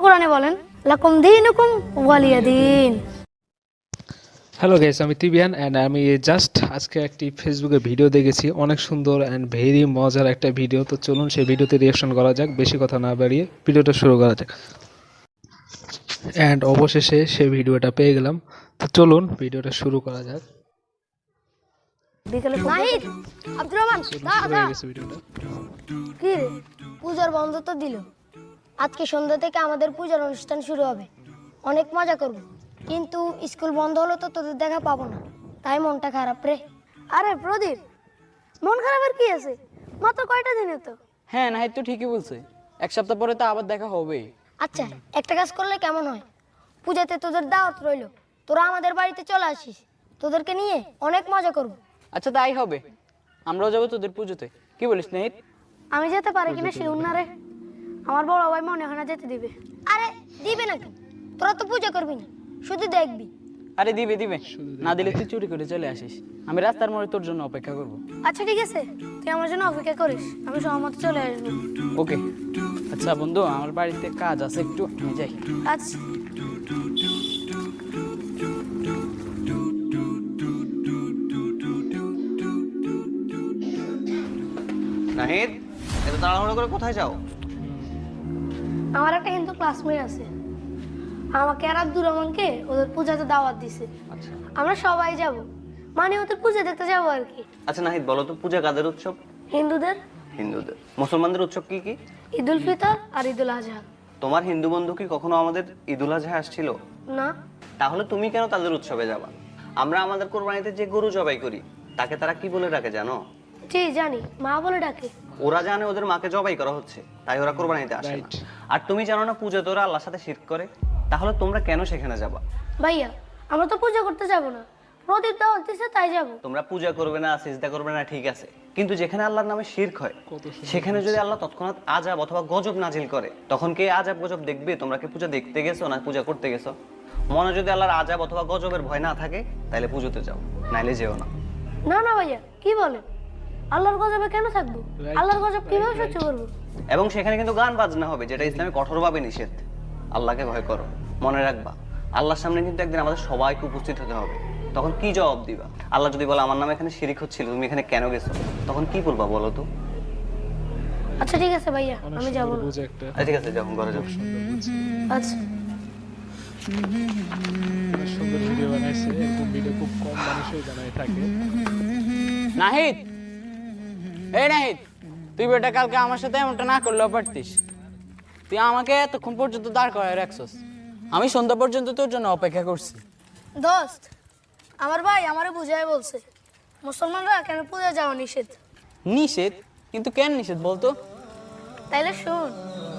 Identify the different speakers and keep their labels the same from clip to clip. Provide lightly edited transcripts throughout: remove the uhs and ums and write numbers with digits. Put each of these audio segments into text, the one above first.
Speaker 1: কোরআনে বলেন লাকুম দীনুকুম ওয়ালিয়া দিন।
Speaker 2: হ্যালো গাইস, আমি তিবিয়ান অ্যান্ড আমি জাস্ট আজকে একটি ফেসবুকে ভিডিও দেখেছি, অনেক সুন্দর অ্যান্ড ভেরি মজার একটা ভিডিও। তো চলুন সেই ভিডিওতে রিয়াকশন করা যাক, বেশি কথা না বাড়িয়ে ভিডিওটা শুরু করা যাক। অ্যান্ড অবশেষে সেই ভিডিওটা পেয়ে গেলাম। তো চলুন ভিডিওটা শুরু করা যাক।
Speaker 1: বিকেলে নাহিদ আব্দুর রহমান
Speaker 2: শুরু
Speaker 1: দাঁড়া
Speaker 2: হয়ে গেছে ভিডিওটা।
Speaker 1: কি রে, পূজার বন্ধ তো দিল। আজকে সন্ধ্যা থেকে আমাদের পূজার অনুষ্ঠান শুরু হবে, অনেক মজা করব। কিন্তু স্কুল বন্ধ হলো তো তোদের দেখা পাবো না, তাই মনটা খারাপ রে। আরে প্রদীপ, মন খারাপের কি আছে? মাত্র কয়টা দিনে তো।
Speaker 3: হ্যাঁ নাহিদ তো ঠিকই বলছে, এক সপ্তাহ পরে তো আবার দেখা হবেই।
Speaker 1: আচ্ছা, একটা কাজ করলে কেমন হয়? পূজাতে তোদের দাওয়াত রইলো, তোরা আমাদের বাড়িতে চলে আসিস, তোদেরকে নিয়ে অনেক মজা করব।
Speaker 3: আচ্ছা তাই হবে, আমরাও যাবো তোদের পুজোতে, কি বলিস নাহিদ?
Speaker 1: আমি যেতে পারি কিনা শিউর না রে, আমার বড় ভাই মনে হয় না যেতে দিবে। আরে দিবে না কেন? তোরা তো পূজা করবি না, শুধু দেখবি।
Speaker 3: আরে দিবে দিবে, না দিলে তুই চুরি করে চলে আসিস, আমি রাস্তার মোড়ে তোর জন্য অপেক্ষা করব।
Speaker 1: আচ্ছা ঠিক আছে, তুই আমার জন্য অপেক্ষা করিস, আমি সহমত চলে আসবো।
Speaker 3: ওকে। আচ্ছা বন্ধু, আমার বাড়িতে কাজ আছে একটু, আমি যাই।
Speaker 1: আচ্ছা
Speaker 4: নাহিদ, এত তাড়াহুড়ো করে কোথায় যাও?
Speaker 1: আমার একটা হিন্দু ক্লাসমেট আছে, আমাকে আর আব্দুর রহমানকে ওদের পূজাতে দাওয়াত দিছে।
Speaker 4: আচ্ছা
Speaker 1: আমরা সবাই যাব, মানে ওদের পূজা দেখতে যাবো আর কি।
Speaker 4: আচ্ছা নাহিদ, বলো তো পূজা কাদের উৎসব?
Speaker 1: হিন্দুদের
Speaker 4: হিন্দুদের। মুসলমানদের উৎসব কি কি?
Speaker 1: ঈদুল ফিতর আর ঈদুল আজহা।
Speaker 4: তোমার হিন্দু বন্ধু কি কখনো আমাদের ঈদুল আজহা আসছিল?
Speaker 1: না,
Speaker 4: তাহলে তুমি কেন তাদের উৎসবে যাবা? আমরা আমাদের কোরবানিতে যে গরু জবাই করি তাকে তারা কি বলে ডাকে জানো?
Speaker 1: জি জানি, মা বলে ডাকে।
Speaker 4: ওরা জানে ওদের মাকে জবাই করা হচ্ছে, তাই ওরা কোরবানিতে আসে না।
Speaker 2: Right.
Speaker 4: আর তুমি জানো না পূজাতে ওরা আল্লাহর সাথে শিরক করে? তাহলে তোমরা কেন সেখানে যাবা?
Speaker 1: ভাইয়া, আমরা তো পূজা করতে যাব না, প্রদীপ দাওয়াত দিছে তাই যাব।
Speaker 4: তোমরা পূজা করবে না, সিজদা করবে না, ঠিক আছে, কিন্তু যেখানে আল্লাহর নামে শিরক হয় সেখানে যদি আল্লাহ তৎক্ষণাৎ আযাব অথবা গজব নাজিল করে, তখন কে আযাব গজব দেখবে? তোমরা কি পূজা দেখতে গেছো না পূজা করতে গেছো? মনে যদি আল্লাহর আযাব অথবা গজবের ভয় না থাকে তাহলে পুজোতে যাও, নাইলে যেও না।
Speaker 1: না না ভাইয়া, কি বলেন? আল্লাহর গজবে কেন থাকবো? আল্লাহর গজব কিভাবে সহ্য করবো?
Speaker 4: এবং সেখানে কিন্তু গান বাজনা হবে, যেটা ইসলামে কঠোরভাবে নিষেধ। আল্লাহকে ভয় করো, মনে রাখবা আল্লাহর সামনে কিন্তু একদিন আমাদের সবাইকে উপস্থিত হতে হবে। তখন কি জবাব দিবা? আল্লাহ যদি বলে আমার নামে এখানে শিরিক হচ্ছিল, তুমি এখানে কেন গেছো, তখন কি বলবা বলো তো?
Speaker 1: আচ্ছা ঠিক আছে ভাইয়া,
Speaker 2: অনেক
Speaker 1: আমি যাবো
Speaker 2: সুন্দর
Speaker 1: না।
Speaker 2: বুঝে একটা
Speaker 4: ঠিক আছে, যখন ঘরে যাও।
Speaker 1: আচ্ছা
Speaker 2: অনেক সুন্দর ভিডিও বানাইছে। এরকম ভিডিও খুব কম মানুষই বানায় থাকে।
Speaker 3: নাহিদ, এই নাহিদ, তুই বেটা কালকে আমার সাথে এমনটা না করলেও পারতিস। তুই আমাকে এতক্ষণ পর্যন্ত দাঁড় করায় রাখছস, আমি সন্ধ্যা পর্যন্ত তোর জন্য অপেক্ষা করছি।
Speaker 1: দোস্ত, আমার ভাই আমারে বুঝাই বলছে মুসলমানরা কেন পূজা যাওয়া নিষেধ।
Speaker 3: নিষেধ? কিন্তু কেন নিষেধ বলতো?
Speaker 1: তাইলে শুন।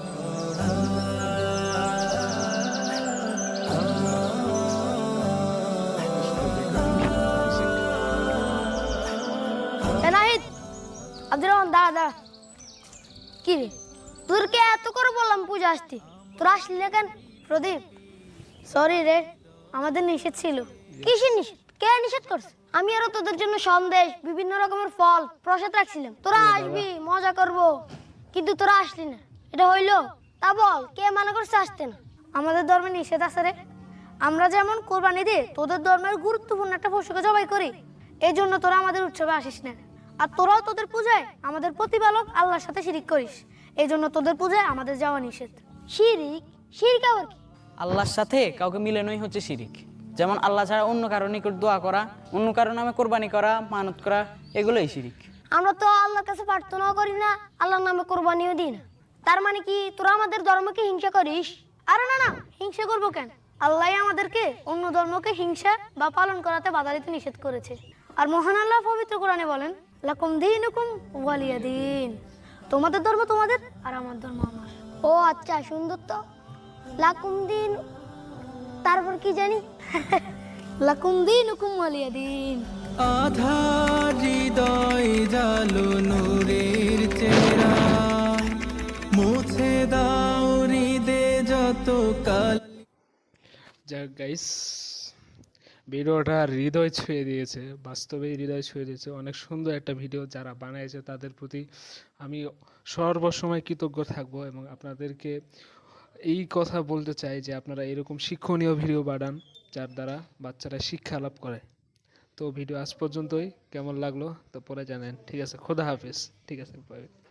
Speaker 1: নাহিদ, আব্দুর রহমান দাঁড়া দাঁড়া। কি রে, তোদেরকে এত করে বললাম পূজা আসতে, তোরা আসলি না কেন? প্রদীপ, সরি রে, আমাদের নিষেধ ছিল। কিসের নিষেধ? কে নিষেধ করছে? আমি আরো তোদের জন্য সন্দেশ, বিভিন্ন রকমের ফল, প্রসাদ রাখছিলাম, তোরা আসবি, মজা করব, কিন্তু তোরা আসলি না। এটা হইলো? তা বল, কে মানা করছে আসতে না? আমাদের ধর্মে নিষেধ আছে রে। আমরা যেমন কোরবানি দিয়ে তোদের ধর্মের গুরুত্বপূর্ণ একটা পশুকে জবাই করি, এই জন্য তোরা আমাদের উৎসবে আসিস না। আর তোরাও তোদের পূজায় আমাদের প্রতিপালক আল্লাহর সাথে শিরিক করিস, এই জন্য তোদের পূজায় আমাদের যাওয়া নিষেধ। শিরিক? শিরিক আবার কি?
Speaker 3: আল্লাহর সাথে কাউকে মিলানোই হচ্ছে শিরিক। যেমন আল্লাহ ছাড়া অন্য কারো নিকট দোয়া করা, অন্য কারো নামে কোরবানি করা, মানত করা, এগুলোই শিরিক।
Speaker 1: আমরা তো আল্লাহর কাছে প্রার্থনাও করি না, আল্লাহর নামে কোরবানিও দিই না। তার মানে কি তোরা আমাদের ধর্মকে হিংসা করিস? আরে না না, হিংসা করবো কেন? আল্লাহ আমাদেরকে অন্য ধর্মকে হিংসা বা পালন করাতে বাধা দিতে নিষেধ করেছে। আর মহান আল্লাহ পবিত্র কোরআনে বলেন লাকুম দীনুকুম ওয়ালিয়া দিন। তোমাদের ধর্ম তোমাদের আর আমার ধর্ম আমার। ও আচ্ছা, সুন্দর তো। লাকুম দিন, তারপর কি জানি? লাকুম দীনুকুম ওয়ালিয়া দিন।
Speaker 5: আধার হৃদয় জালো নূরের চেহারা, মুছে দাও হৃদে যত কাল।
Speaker 2: যাক গাইস, ভিডিওটা হৃদয় ছুঁয়ে দিয়েছে, বাস্তবেই হৃদয় ছুঁয়ে দিয়েছে। অনেক সুন্দর একটা ভিডিও। যারা বানিয়েছে তাদের প্রতি আমি সর্বসময় কৃতজ্ঞ থাকবো এবং আপনাদেরকে এই কথা বলতে চাই যে আপনারা এরকম শিক্ষণীয় ভিডিও বানান যার দ্বারা বাচ্চারা শিক্ষা লাভ করে। তো ভিডিও আজ পর্যন্তই, কেমন লাগলো তো পরে জানেন। ঠিক আছে, খোদা হাফেজ। ঠিক আছে, বাই।